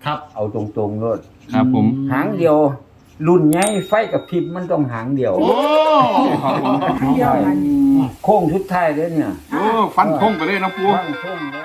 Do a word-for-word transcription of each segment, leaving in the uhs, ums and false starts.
ครับเอาตรงๆโลดครับผมหางเดียวรุ่นใหญ่ไฟกับพริบมันต้องหางเดียวโอ้ครับผมเดียวกันโค้งสุดท้ายเด้อเนี่ยโอ้ฟันทงไปเลยนะปูฟังโค้งเลย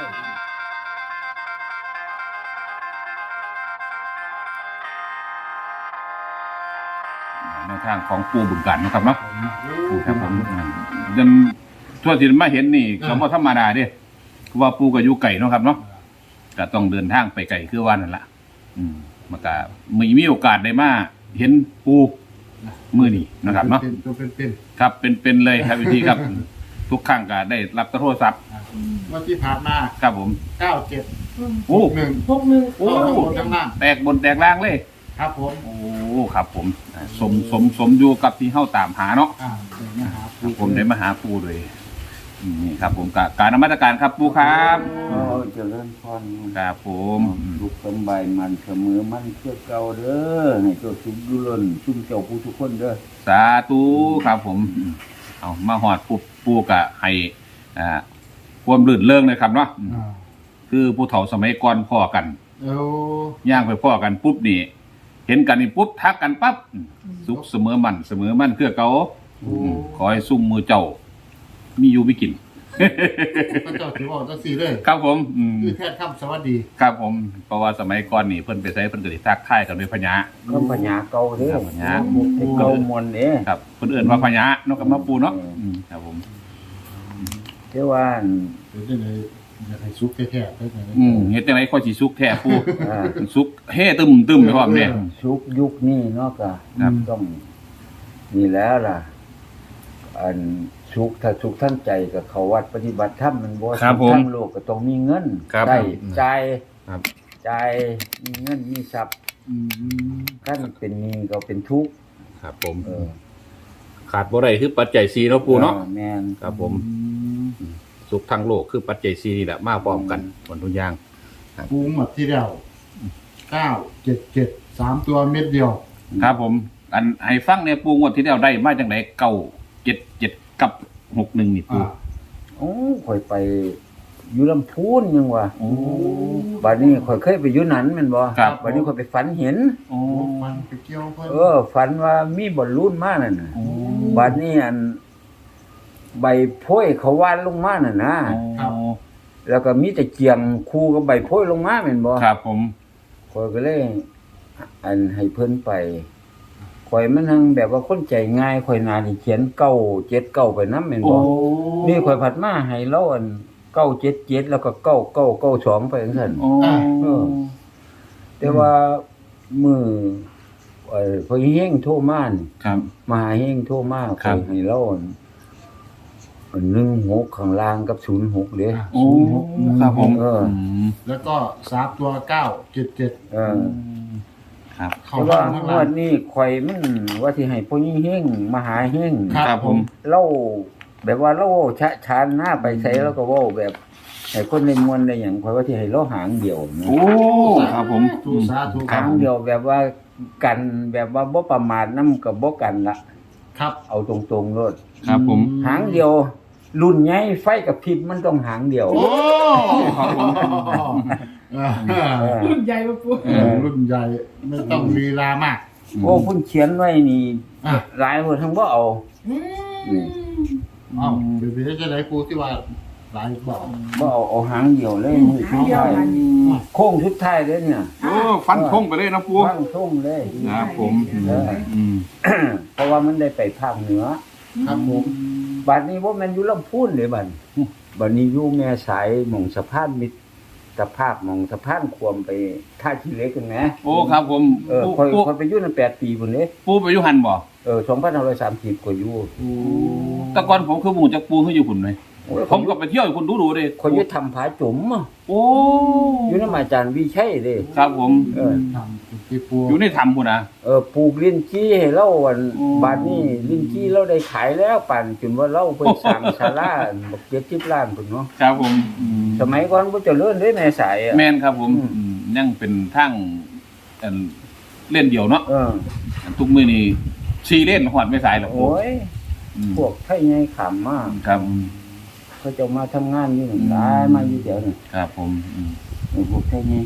ในทางของปูบึงกันนะครับเนาะครับผมยันทั่วที่มาเห็นนี่ก็บ่ธรรมดาเด้ว่าปูก็อยู่ไกลเนาะครับเนาะก็ต้องเดินทางไปไกลคือว่านั่นล่ะอืมมันก็มีมีโอกาสได้มาเห็นปูมื้อนี้นะครับเนาะเป็นตัวเป็นครับเป็นๆเลยครับวิธีครับ ทุกครั้งก็ได้รับโทรศัพท์ๆเมื่อที่ผ่านมาครับผมเก้าเจ็ดโอ้หนึ่งหกหนึ่งโอ้ทั้งบนทั้งล่างแตกบนแตกล่างเลยครับผมโอ้ครับผมอ่าสมสมสมอยู่กับที่เฮาตามหาเนาะอ่าเดี๋ยวนะครัครับผมได้มาหาปูเลยอืมนี่ครับผมกการนมัสการครับปูครับโอ้เจริญพรครับผมอืมทุกสำบายมันเสมอมันเพื่อเก่าเด้อให้เจ้าสุขดุล้นชุ่มเจ้าผู้ทุกคนเด้อสาธุครับผมอืมเอามาหอดปูปูกะให้อ่าความลื่นเริงเลยครับเนาะอืมอ่าคือผู้เฒ่าสมัยก่อนพ่อกันเอ้าย่างไปพ่อกันปุ๊บนี่ เห็นกันนี่ปุ๊บทักกันปั๊บอืมสุขเสมอมันเสมอมันเพื่อเก่าอืมขอให้ซุ่มมือเจ้า มีอยู่มีกินพระเจ้าถือว่าต้องสี่เลยครับผมอืมคือแค่คำสวัสดีครับผมเพราะว่าสมัยก่อนนี่เพิ่นไปใช้เพิ่นก็สิทักทายกันด้วยพญาก็ปัญญาเก่าเด้อครับปัญญาให้เก่ามนต์เด้ครับเพิ่นเอิ้นว่าพญาเนาะกับมาปูเนาะอืมครับผมเด้อว่าอั่นเดี๋ยวจะเลยอยากให้ซุกแท้ๆได้ไหมอืมเฮ็ดจังได๋ค่อยสิสุกแท้ปูอ่าสุกเฮ่ตึมตึมไปพร้อมเนี่ยชุกยุคนี้เนาะก็ครับต้องนี่แล้วล่ะ อันชุกถ้าชุกทั้งใจกับเขาวัดปฏิบัติธรรมมันบ่ครับผมทั้งโลกก็ต้องมีเงินครับได้อืมจ่ายครับจ่ายมีเงินมีทรัพย์อืมขั้นเป็นหนี้ก็เป็นทุกข์ครับผมเออขาดบ่ได้คือปัจจัยสี่เนาะปูเนาะออแม่นครับผมสุขทางโลกคือปัจจัยสี่นี่แหละมาพร้อมกันหมดทุกอย่างปูหมดที่เดียวเก้าเจ็ดเจ็ดสามตัวเม็ดเดียวครับผม อันให้ฟังเนี่ยปูงวดที่แล้วได้มาจังไดเก้าเจ็ดเจ็ดกับหกหนึ่งนี่ปูอ่าโอ้ข่อยไปอยู่ลำพูนยังวะโอ้บัดนี้ข่อยเคยไปอยู่นั้นแม่นบ่ครับบัดนี้ข่อยไปฝันเห็นโอ้มันไปเกี่ยวเพิ่นเออ ฝันว่ามีบอลลูนมานั่นน่ะโอ้บัดนี้อัน ใบโพยเขาวานลงมาน่ะนะ แล้วก็มีแต่เกียงคู่กับใบโพยลงมาแม่นบ่ครับผมข่อยก็เลย อันให้เพิ่นไปข่อยมันทั้งแบบว่าคนใจง่ายข่อยน่าสิเขียนเก้าเจ็ดเก้าไปนำแม่นโอ้บ่นี่ข่อยผัดมาให้เราอันเก้าเจ็ดเจ็ดแล้วก็เก้าเก้าเก้าสองไปจังซั่นโอ้เออ แต่ว่ามือเอ่อพอเฮงโทรมานี่ครับมหาเฮงโทรมาครับข่อยให้เราอันอันหนึ่งหกข้างล่างกับศูนย์หกเด้โอ้ครับผมเออมแล้วก็สามตัวเก้าเจ็ดเจ็ดเออครับเข้าแต่ว่าข้างงล่าว งดนี้ข่อยมันว่าสิให้พ่อยิ่งเฮงมหาเฮงครับครับผมเล่าแบบว่าเล่าชะชานหน้าไปใช้แล้วก็เว้าแบบให้คนในมวลได้หยังข่อยว่าสิให้เราหางเดียวนะโอ้ครับผมทูสาธุคหารับงเดียวแบบว่ากันแบบว่าบ่ประมาทนำกับบ่กันละครับเอาตรงๆโลดครับผมหางเดียว รุ่นใหญ่ไฟกับพริบมันต้องหางเดียวโอ้ครับผมเออเออรุ่นใหญ่ปะปูเออรุ่นใหญ่ไม่ต้องลีลามากโอ้เพุ่นเขียนไว้นี่อ่ะหลายคนทั้งบ่เอาอืมอ้าวเดี๋ยวพี่จะได้ปูที่ว่าหลายบอกบ่เอาเอาหางเดียวเลยมือหาสุงดเดียวท้ายกันโค้งสุดท้ายเด้อเนี่ยโอ้ฟันทงไปเลยนะปูฟังทุ่งเลยครับผมเอออืมเพราะว่ามันได้ไปภาคเหนือครับผมบัดนี้บ่แม่นอยู่ลำพูนเด้บัดบัดนี้อยู่แม่สายหม่องสะพานมิตรภาพหม่องสะพานควมไปท่าขี้เหล็กกันแหมโอ้ครับผมเออปูค่อยปูค่อยไปอยู่นั่นแปดปีพุ่นเด้ปูไปอยู่หันบ่เออสองพันห้าร้อยสามสิบก็อยู่แต่ก่อนผมคือหมู่จากปูคืออยู่หุ่นไหมโอ้ยผมก็ไปเที่ยวอยู่คุณดูดูๆเลยคนอยู่ทำผาจุ๋มอะโอ้อยู่นำอาจารย์วิชัยเด้ครับผมเออทำที่ปูอยู่ในถ้ำคุณนะเออปลูกลิ้นจี้ให้เราอันโอ้บาดนี้ลิ้นจี้เราได้ขายแล้วปั่นจนว่าเราเพิ่นสร้างศาลาบักเจ็ดสิบล้านพุ่นเนาะครับผมอืมสมัยก่อนบ่เจริญเด้แม่สายอะแม่นครับผมอืมอืมยังเป็นทั้งอันเล่นเดี่ยวเนาะเอออันทุกมือนี่ชีเล่นหอดไม่สายหรอกโอ้ยอืมพวกไทยใหญ่ขำมากครับเขาจะมาทำงานอยู่นั่นหลายมาอยู่เดี๋ยวนี่ครับผมอืมไอ้พวกไทยใหญ่ครับ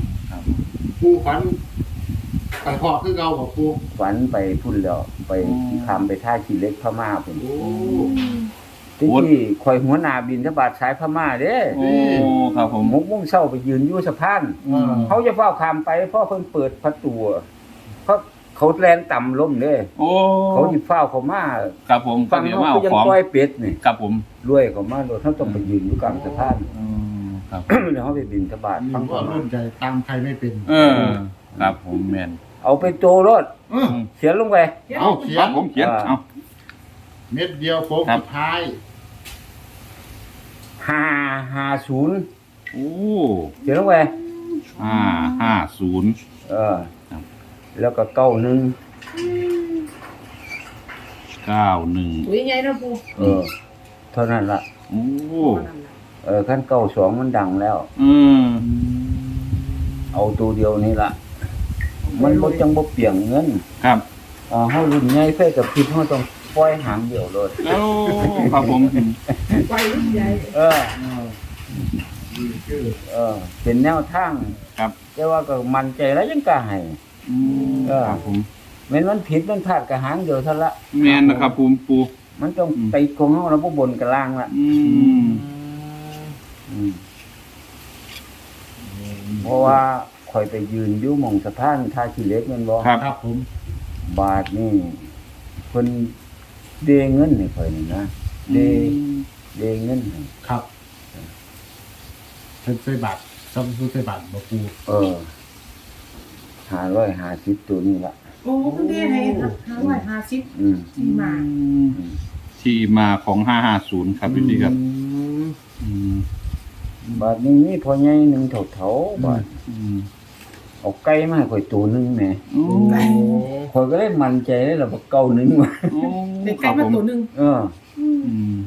ปูฝันไปพอคือเก่าบอกปูฝันไปพุ่นแล้วไปทำไปท่าขี้เหล็กพม่าพุ่นโอ้ที่ที่คอยหัวหน้าบินทบาทสายพม่าเด้โอ้ครับผมหกโมงเช้าไปยืนอยู่สะพานอ่าเขาจะเฝ้าคามไปเพราะเพิ่นเปิดประตูเพราะเขาแลนต่ำล้มเด้โอ้เขาสิเฝ้าเขามาครับผมฟังเดี๋ยวเขามาก็เอายังของปล่อยเป็ดนี่ครับผมรวยเขามาโดนเขาต้องไปยืนอยู่กลางสะพานอืมครับแล้วเขาไปบินทบาทนี่ฟังว่าเขารุ่นใจตามใครไม่เป็นเออ ครับผมแม่นเอาไปโจรถเออเขียนลงไปเอาเขียครันบผมเขียนอ่าเอาเม็ดเดียวโค้งครับสุดท้ายห้าห้าศูนย์โอ้เขียนลงไปห้าห้าศูนย์เออครับแล้วก็เก้าหนึ่งเก้าหนึ่งอุ้ยใหญ่นะปูเออ เท่านั้นละโอ้เออขั้นเก้าสองมันดังแล้วอืมเอาตัวเดียวนี่ละมันบ่จังบ่เปลี่ยงเงินครับอ่าเฮารุ่นใหญ่เพิ่นกับพิษเฮาต้องปล่อยหางเดียวเลยโอ้ครับผมไปรุ่นใหญ่เออเออนี่คือเออ เป็นแนวทางครับแต่ว่าก็มั่นใจแล้วยังกล้าให้อืมเออครับผมแม้นมันผิดมันพลาดก็หางเดียวเท่านั้นละแม่นนะครับปูปูมันต้องอืมไปของเฮาแล้วบ่บนกับล่างละอืมอืมเพราะว่าข่อยไปยืนอยู่หม่องสะพานท่าขี้เหล็กแม่นบ่ครับครับผมบาทนี่เพิ่นเดเงินให้ข่อยนี่นะเดเดเงินให้ครับเป็นใส่บัตรซัมซุงใส่บัตรบอกปูเออห้าร้อยห้าสิบตัวนี่ละโอ้คุณเด้ให้ห้าร้อยห้าสิบอืมที่มาที่มาของห้าห้าศูนย์ครับพี่ครับ อืมบาทนี้มีพ่อใหญ่หนึ่งเถาๆบาทอืมเอาไก่มาให้ข่อยตัวหนึงแหมโอ้ข่อยก็ได้มั่นใจได้แล้วว่าเก่าหนึงว่ะโอ้เด็กคไก่รับมาผมตัวหนึ่งเอออืม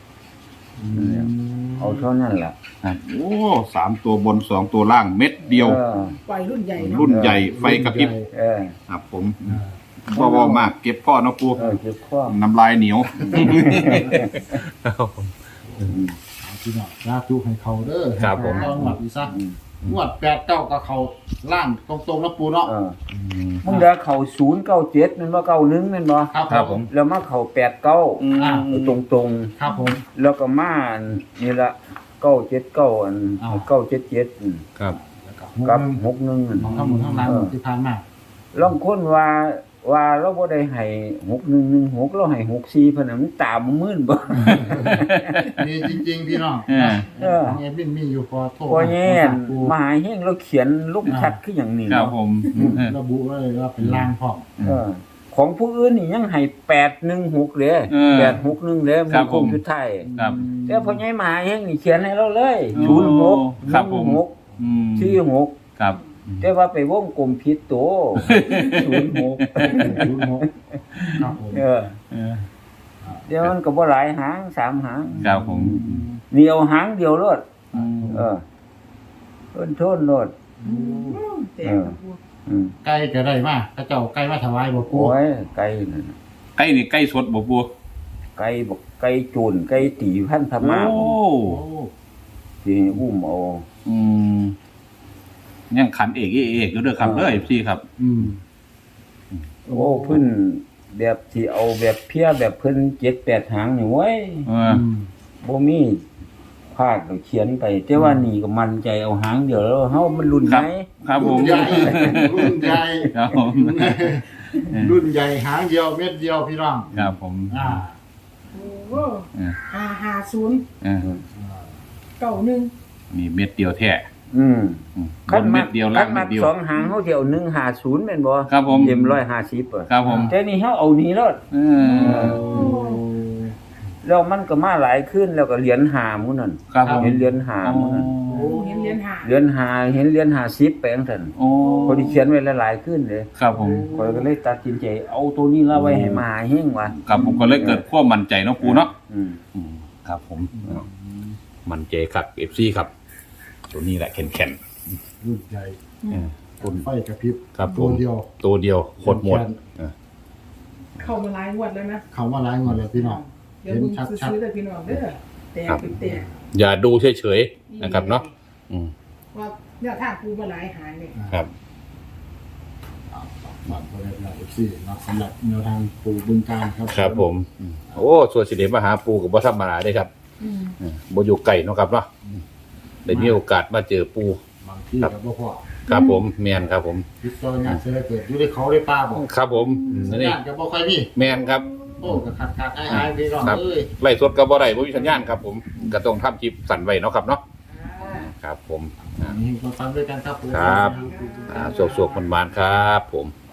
เอาเท่านั้นล่ะครับโอ้สามตัวบนสองตัวล่างเม็ดเดียวเออปล่อยรุ่นใหญ่เนาะรุ่นใหญ่ไฟกระพริบเออครับผมอ่าพ่อวอมากเก็บพ่อเนาะปูเออเจ็บคอน้ำลายเหนียวเอาพี่น้องลาจุให้เขาเด้อครับผมต้องหวัดอีซะอืมงวดแปดเก้ากับเขาล่างตรงๆนะปูเนาะเออมึงเด้เข้าศูนย์เก้าเจ็ดแม่นบ่เก้าหนึ่งแม่นบ่ครับครับผมแล้วมาเข้าแปดเก้าอ่าตรงตรงๆครับผมแล้วก็มาอันนี่ละเก้าเจ็ดเก้าอันอ้าวเก้าเจ็ดเจ็ดครับแล้วก็กับหกหนึ่งอันของทั้งหมดทั้งหลายหมดที่ผ่านมาลองค้นว่าว่าเราบ่ได้ให้หกหนึ่งหนึ่งหกเราให้หกสี่เพิ่นน่ะมันตาบ่มื่นบ่มีจริงๆพี่น้องเออเออเอบินมีอยู่พอโทษพอแย่นปูมหาเฮงเราเขียนลูกชัดคืออย่างนี้ครับเนาะผมระบุไว้เลยว่าเป็นล่างพร้อมเออ ของผู้อื่นนี่ยังให้แปดหนึ่งหกเลยเออแปดหกหนึ่งเลยครัมันบคผมงสุดท้ายครับแต่พอใหญ่มหาเฮงนี่เขียนให้เราเลยโอ้ศูนย์หกครับผมหนึ่งหกอืมสี่หกครับแต่ว่าไปวงกลมผิดตัว ศูนย์หกศูนย์หกครับผมเออเออเดี๋ยวมันก็บ่หลายหางสามหางครับผมเหนียวหางเดียวโลดอืมเออต้นโทนโลดแต่กับปูอืมไก่ก็ได้มาพระเจ้าไก่มาถวายบ่ปูโอ้ยไก่นั่นน่ะใกล้นี่ใกล้สดบ่ปูไก่บอกไก่โจนไก่ตีพันธมาโอ้โอ้ที่อุ้มเอาอืมยังขันเอกเอกเอกอยู่เด้อครับเด้อพี่ครับอืมโอ้เพิ่นแบบที่เอาแบบเพี้ยแบบเพิ่นเจ็ดแปดหางนี่เว้ยเออือมบ่มีภาคก็เขียนไป แต่ว่านี่ก็มั่นใจเอาหางเดียวแล้วเฮามันรุ่นไหนครับผรุ่มนใหญ่รุ่นใหญ่ครับผมรุ่นใหญ่หางเดียวเม็ดเดียวพี่น้องครับผมอ่าโอ้ห้าห้าศูนย์เออเก้าหนึ่งนี่เม็ดเดียวแท้อืมอืมบคันนมัเม็กดเดียวคัล่างนเม็มัดกเดียวสองหางเฮาสิเอาหนึ่งห้าศูนย์แม่นบ่ครับผมเอ็มหนึ่งร้อยห้าสิบอ่ะครับผมแต่นี่เฮาเอานี่แล้วเออแล้วมันก็มาหลายขึ้นแล้วก็เหรียญหาหมู่นั่นครับผมเห็นเหรียญหาหมู่นั่นโอ้เห็นเหรียญหาเหรียญหาเห็นเหรียญห้าสิบแปลงซั่นโอ้พอดีเขียนไว้หลายๆขึ้นเลยครับผมข้อยก็เลยตัดสินใจเอาตัวนี้ละไว้ให้มหาเฮงว่ะครับผมก็เลยเกิดความมั่นใจเนาะปูเนาะอืมอืมครับผม มั่นใจครับ เอฟ ซี ครับ ตัวนี้แหละแข็งรุ่นใหญ่ๆเออคนไฟกระพริบครับผมตัวเดียวตัวเดียวโคตรหมดเออเข้ามาหลายงวดแล้วนะเขามาหลายงวดเลยพี่น้องเดี๋ยวมึงซื้อๆเลยพี่น้องเด้อแต่เป็นแต่อย่าดูเฉยๆนะครับเนาะอืมว่าเนี่ยทางปูมาหลายหายเนี่ยครับบัตรประชาชนเอฟซีเนาะสำหรับแนวทางปูบึงการครับครับผม โอ้ส่วนสิเดมาหาปูกับบ่ธรรมดาได้ครับอืมเออบ่อยู่ไกลเนาะครับเนาะได้มีโอกาสมาเจอปูบางที่กับพ่อครับผมแมนครับผมพิจารณาเสร็จเกิดอยู่ในเขาได้ป้าบอกครับผมอืมสัญนี่ญาณกับบ่ค่อยมีแมนครับโอ้ก็ขาดขาดหายหายไปก่อนครับเอ้ยไล่สดก็บ่ได้บ่มีสัญญาณครับผมก็ต้องทำคลิปสั่นไว้เนาะครับเนาะครับผมอันนี้มาฟังด้วยกันครับผมครับ อ่าโศกๆมันๆครับผม